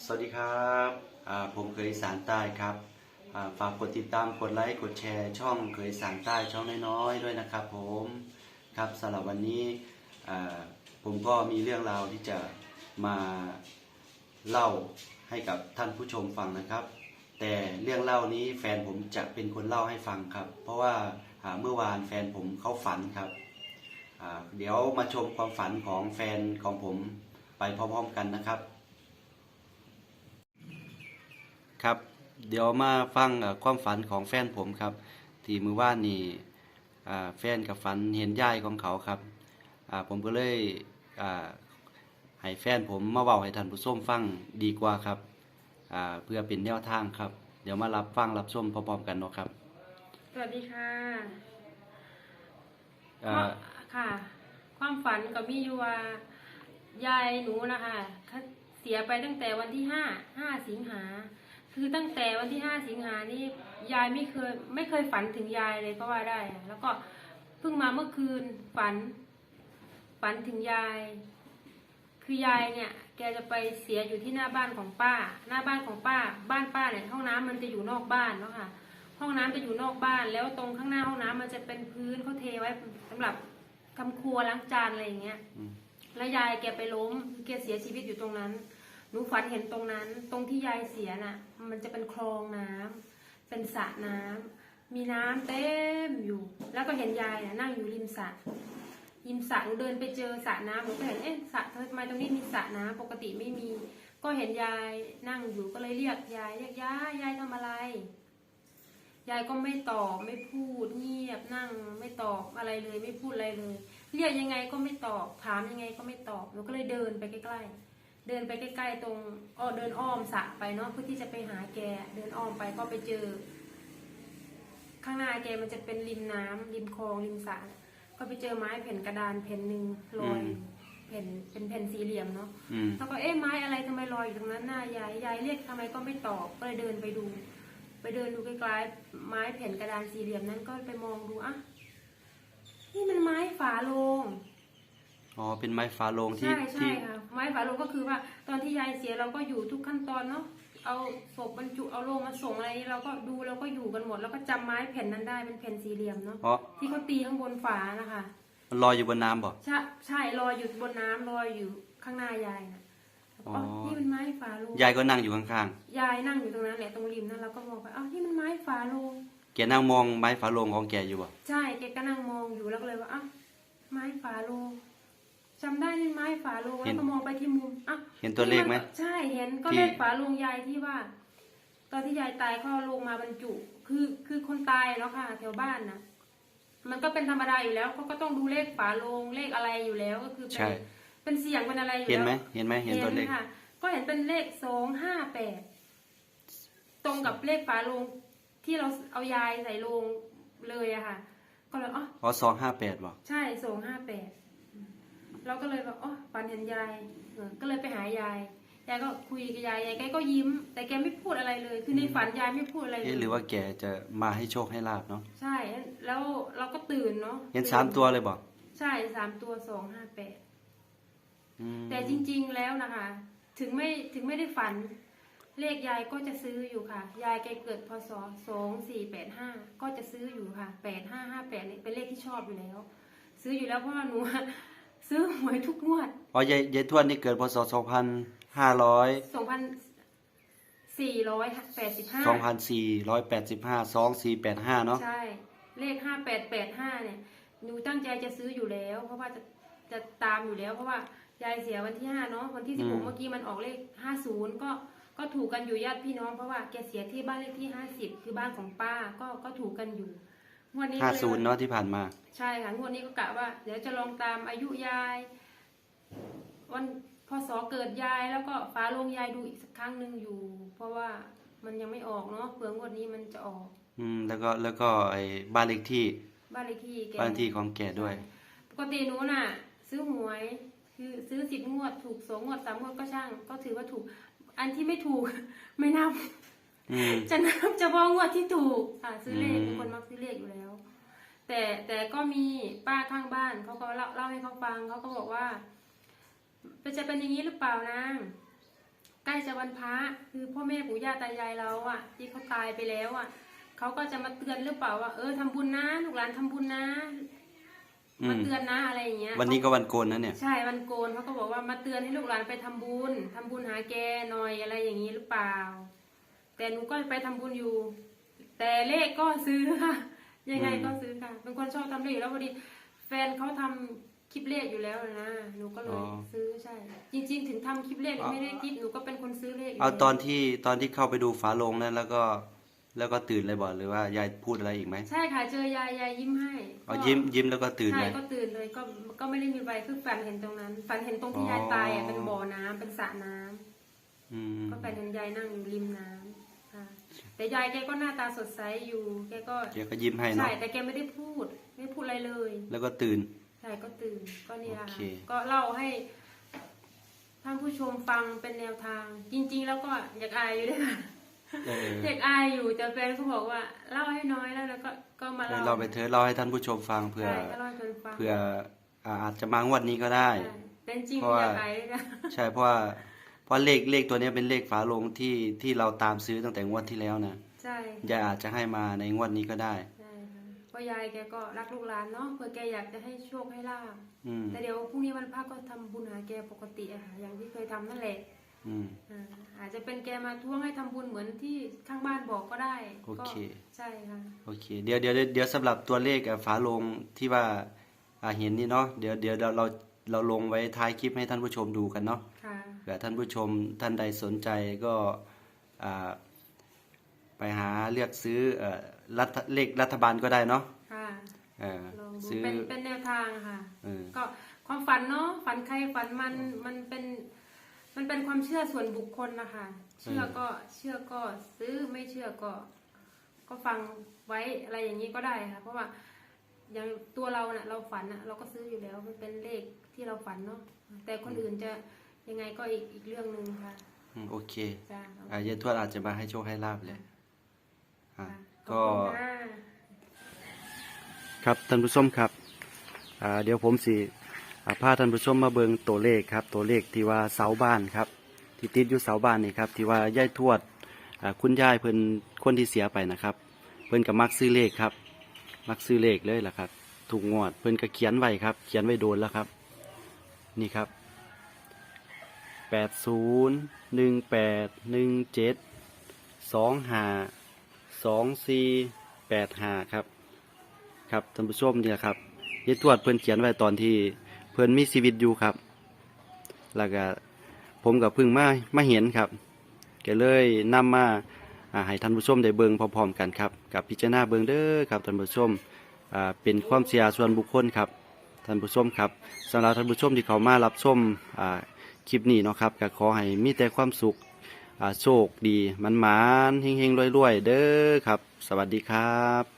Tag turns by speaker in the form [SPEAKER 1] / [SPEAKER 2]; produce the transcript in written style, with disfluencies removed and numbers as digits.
[SPEAKER 1] สวัสดีครับผมเคยอีสานใต้ครับฝากกดติดตามกดไลค์กดแชร์ช่องเคยอีสานใต้ช่องน้อยๆด้วยนะครับผมครับสำหรับวันนี้อ่าผมก็มีเรื่องราวที่จะมาเล่าให้กับท่านผู้ชมฟังนะครับ แต่เรื่องเล่านี้แฟนผมจะเป็นคนเล่าให้ฟังครับ เพราะว่าเมื่อวานแฟนผมเขาฝันครับเดี๋ยวมาชมความฝันของแฟนของผมไปพร้อมๆกันนะครับ ครับเดี๋ยวมาฟังความฝันของแฟนผมครับที่มือว่านนี่แฟนกับฝันเห็นยายของเขาครับผมก็เลยให้แฟนผมมาเว้าให้ท่านผู้ชมฟังดีกว่าครับเพื่อเป็นแนวทางครับเดี๋ยวมารับฟังรับชมพร้อมๆกันเนาะครับ
[SPEAKER 2] สวัสดีค่ะ
[SPEAKER 1] อ่า
[SPEAKER 2] ค่ะ ความฝันก็มีอยู่ว่ายายหนูนะคะเสียไปตั้งแต่วันที่ห้าสิงหาคือตั้งแต่วันที่5 สิงหานี่ยายไม่เคยฝันถึงยายเลยก็ว่าได้แล้วก็เพิ่งมาเมื่อคืนฝันถึงยาย คือยายเนี่ยแกจะไปเสียอยู่ที่หน้าบ้านของป้า หน้าบ้านของป้าบ้านป้าเนี่ยห้องน้ำมันจะอยู่นอกบ้านเนาะค่ะห้องน้ำจะอยู่นอกบ้านแล้วตรงข้างหน้าห้องน้ำมันจะเป็นพื้นเขาเทไว้สำหรับทำครัวล้างจานอะไรอย่างเงี้ยแล้วยายแกไปล้มแกเสียชีวิตอยู่ตรงนั้นหนูฝันเห็นตรงนั้นตรงที่ยายเสียน่ะมันจะเป็นคลองน้ำเป็นสระน้ำมีน้ำเต็มอยู่แล้วก็เห็นยายน่ะนั่งอยู่ริมสระหนูเดินไปเจอสระน้ำหนูก็เห็นสระทำไมตรงนี้มีสระน้ำปกติไม่มีก็เห็นยายนั่งอยู่ก็เลยเรียกยายทำอะไรยายก็ไม่ตอบไม่พูดเงียบนั่งไม่ตอบอะไรเลยไม่พูดอะไรเลยเรียกยังไงก็ไม่ตอบถามยังไงก็ไม่ตอบหนูก็เลยเดินไปใกล้ๆตรงเดินอ้อมสระไปเนาะเพื่อที่จะไปหาแกเดินอ้อมไปก็ไปเจอข้างหน้าแกมันจะเป็นริมน้ำริมคลองริมสระก็ไปเจอไม้แผ่นกระดานแผ่นหนึ่งลอยเป็นแผ่นสี่เหลี่ยมเนาะแล้วก็ไม้อะไรทำไมลอยอยู่ตรงนั้นหน้ายายเรียกทำไมก็ไม่ตอบก็เลยเดินไปดูใกล้ๆไม้แผ่นกระดานสี่เหลี่ยมนั้นก็ไปมองดูนี่มันไม้ฝาโลง
[SPEAKER 1] อ๋อเป็นไม้ฝาโลงที่
[SPEAKER 2] ใช่ค่ะไม้ฝาโลงก็คือว่าตอนที่ยายเสียเราก็อยู่ทุกขั้นตอนเนาะเอาศพบรรจุเอาโลงมาส่งอะไรเราก็ดูเราก็อยู่กันหมดแล้วก็จำไม้แผ่นนั้นได้เป็นแผ่นสี่เหลี่ยมเนาะที่เขาตีข้างบนฝานะคะ
[SPEAKER 1] มันลอยอยู่บนน้ำบ่
[SPEAKER 2] ใช่ลอยอยู่บนน้ำลอยอยู่ข้างหน้ายายนะนี่มันไม้ฝาโลง
[SPEAKER 1] ยายก็นั่งอยู่ข้าง
[SPEAKER 2] ๆยายนั่งอยู่ตรงนั้นแหละตรงริมนั้นเราก็มองไปนี่มันไม้ฝาโลง
[SPEAKER 1] แกนั่งมองไม้ฝาโลงของแกอยู่บ่
[SPEAKER 2] ใช่แกก็นั่งมองอยู่แล้วก็เลยว่าไม้ฝาโลงจำได้นี่ไม้ฝาโลงแล้วก็มองไปที่มุม
[SPEAKER 1] เห็นตัวเลขไหม
[SPEAKER 2] ใช่เห็นก็เลขฝาโลงยายที่ว่าตอนที่ยายตายเขาเอาลงมาบรรจุคือคนตายแล้วค่ะแถวบ้านนะมันก็เป็นธรรมดาอยู่แล้วเขาก็ต้องดูเลขฝาโลงเลขอะไรอยู่แล้วก็คือเป็นเสียงเป็นอะไรอยู่แล้ว
[SPEAKER 1] เห็นไหมเห็นตัวเลข
[SPEAKER 2] ค่ะก็เห็นเป็นเลข258ตรงกับเลขฝาโลงที่เราเอายายใส่โลงเลยอะค่ะก็เลย
[SPEAKER 1] 258บ่
[SPEAKER 2] ใช่258เราก็เลยแบบฝันเห็นยายก็เลยไปหายายก็คุยกับยายแกก็ยิ้มแต่แกไม่พูดอะไรเลยคือในฝันยายไม่พูดอะไรเลย
[SPEAKER 1] หรือว่าแกจะมาให้โชคให้ลาภเนาะ
[SPEAKER 2] ใช่แล้วเราก็ตื่นเนาะ
[SPEAKER 1] เห็น3 ตัวเลยบ่
[SPEAKER 2] ใช่3 ตัว258แต่จริงๆแล้วนะคะถึงไม่ได้ฝันเลขยายก็จะซื้ออยู่ค่ะยายแกเกิดพศ2485ก็จะซื้ออยู่ค่ะ8558นี่เป็นเลขที่ชอบอยู่แล้วซื้ออยู่แล้วเพราะว่าหนูซื้อหวยทุกงวด
[SPEAKER 1] ยายทวดนี่เกิดพศ24852485เนาะ
[SPEAKER 2] ใช่เลข5885เนี่ยหนูตั้งใจจะซื้ออยู่แล้วเพราะว่าจะตามอยู่แล้วเพราะว่ายายเสียวันที่5เนาะวันที่16เมื่อกี้มันออกเลข50ก็ถูกกันอยู่ญาติพี่น้องเพราะว่าแกเสียที่บ้านเลขที่50คือบ้านของป้าก็ถูกกันอยู่งวดนี้
[SPEAKER 1] 50เนาะที่ผ่านมา
[SPEAKER 2] ใช่ค่ะงวดนี้ก็กะว่าเดี๋ยวจะลองตามอายุยายวันพศเกิดยายแล้วก็ฟ้าลงยายดูอีกสักครั้งหนึ่งอยู่เพราะว่ามันยังไม่ออกเนาะเผื่องวดนี้มันจะออก
[SPEAKER 1] แล้วก็ไอ้บ้านเลขที่ของแกด้วย
[SPEAKER 2] ปกติหนูน่ะซื้อหวยคือซื้อ10 งวดถูก2 งวด3 งวดก็ช่างก็ถือว่าถูกอันที่ไม่ถูกไม่นับจะนับเฉพาะงวดที่ถูกซื้อเลขเป็นคนมักซื้อเลขอยู่แล้วแต่ก็มีป้าข้างบ้านเขาก็เล่าให้เขาฟังเขาก็บอกว่าจะเป็นอย่างนี้หรือเปล่านางใกล้จะวันพระคือพ่อแม่ปู่ย่าตายายเราอ่ะที่เขาตายไปแล้วอ่ะเขาก็จะมาเตือนหรือเปล่าว่าทำบุญนะลูกหลานทำบุญนะมาเตือนนะอะไรอย่างเงี้ย
[SPEAKER 1] วันนี้ก็วันโกนนะเนี่ย
[SPEAKER 2] ใช่วันโกนเขาก็บอกว่ามาเตือนให้ลูกหลานไปทำบุญหาแกหน่อยอะไรอย่างนี้หรือเปล่าแต่หนูก็ไปทำบุญอยู่ แต่เลขก็ซื้อค่ะยังไงก็ซื้อค่ะเป็นคนชอบทำเลขอยู่แล้วพอดีแฟนเขาทำคลิปเลขอยู่แล้วนะหนูก็เลยซื้อใช่จริงๆถึงทำคลิปเลขไม่ได้คิดหนูก็เป็นคนซื้อเลข
[SPEAKER 1] เอาตอนที่เข้าไปดูฝาโลงนั้นแล้วก็ตื่นเลยบอกหรือว่ายายพูดอะไรอีกไหม
[SPEAKER 2] ใช่ค่ะเจอยายยิ้มให้
[SPEAKER 1] ยิ้มแล้วก็ตื่นเลย
[SPEAKER 2] ใช่ก็ตื่นเลยก็ไม่ได้มีใบคือฝันเห็นตรงนั้นฝันเห็นตรงที่ยายตายอ่ะเป็นบ่อน้ำเป็นสระน้ำก็ฝันเห็นยายนั่งอยู่ริมน้ำค่ะแต่ยายแกก็หน้าตาสดใสอยู่แกก็
[SPEAKER 1] ยิ้มให้เนาะ
[SPEAKER 2] ใช่แต่แกไม่ได้พูดอะไรเลย
[SPEAKER 1] แล้วก็ตื่น
[SPEAKER 2] ใช่ก็ตื่นก็นี่แหละก็เล่าให้ท่านผู้ชมฟังเป็นแนวทาง จริงๆแล้วก็อยากอายอยู่ด้วยค่ะอยากอายอยู่แต่แฟนเขาบอกว่าเล่าให้น้อยแล้วก็มา
[SPEAKER 1] เล่าไปเถอะเล่าให้ท่านผู้ชมฟังเพื่ออาจจะมางวดนี้ก็ได้
[SPEAKER 2] แต่จริงอยากอายด้วยนะ
[SPEAKER 1] ใช่เพราะเลขตัวนี้เป็นเลขฝาโลงที่เราตามซื้อตั้งแต่งวดที่แล้วนะ
[SPEAKER 2] ใช่
[SPEAKER 1] ยายอาจจะให้มาในงวดนี้ก็ได้
[SPEAKER 2] เพราะยายแกก็รักลูกหลานเนาะเพื่อแกอยากจะให้โชคให้ลาภแต่เดี๋ยวพรุ่งนี้วันพระก็ทำบุญหาแกปกติอะค่ะอย่างที่เคยทำนั่นแหละอาจจะเป็นแกมาท้วงให้ทำบุญเหมือนที่ข้างบ้านบอกก็ได้
[SPEAKER 1] โอเค
[SPEAKER 2] ใช่ค่ะ
[SPEAKER 1] โอเคเดี๋ยวสำหรับตัวเลขฝาโลงที่ว่าเห็นนี่เนาะเดี๋ยวเราลงไว้ท้ายคลิปให้ท่านผู้ชมดูกันเนาะเผื่อท่านผู้ชมท่านใดสนใจก็ไปหาเลือกซื้อเลขรัฐบาลก็ได้เนาะ
[SPEAKER 2] ซื้อเป็นแนวทางค่ะก็ความฝันเนาะฝันใครฝันมันเป็นความเชื่อส่วนบุคคลนะคะเชื่อก็ซื้อไม่เชื่อก็ฟังไว้อะไรอย่างนี้ก็ได้ค่ะเพราะว่าอย่างตัวเราเน่ะเราฝันน่ะเราก็ซื้ออยู่แล้วมันเป็นเลขที่เราฝันเนาะแต่คนอื่นจะยังไงก็อีกเรื่องนึงค่ะ
[SPEAKER 1] โอเคยายทวดอาจจะมาให้โชคให้ลาภเลยก็ครับท่านผู้ชมครับเดี๋ยวผมสิพาท่านผู้ชมมาเบิ่งตัวเลขครับตัวเลขที่ว่าเสาบ้านครับที่ติดอยู่เสาบ้านนี่ครับที่ว่ายายทวดคุณยายเพิ่นคนที่เสียไปนะครับเพิ่นก็มักซื้อเลขครับมักซื้อเลขเลยล่ะครับถูกงวดเพิ่นก็เขียนไว้ครับเขียนไว้โดนแล้วครับนี่ครับ801817252485ครับครับท่านผู้ชมเนี่ยครับยายทวดเพิ่นเขียนไว้ตอนที่เพิ่นมีชีวิตอยู่ครับแล้วก็ผมกับพึ่งมาเห็นครับก็เลยนำมาให้ท่านผู้ชมได้เบิ่งพร้อมๆกันครับกับพิจารณาเบิ่งเด้อครับท่านผู้ชมเป็นความเชื่อส่วนบุคคลครับท่านผู้ชมครับสำหรับท่านผู้ชมที่เขามารับชมคลิปนี้เนาะครับก็ขอให้มีแต่ความสุขโชคดีมันๆเฮงๆรวยๆเด้อครับสวัสดีครับ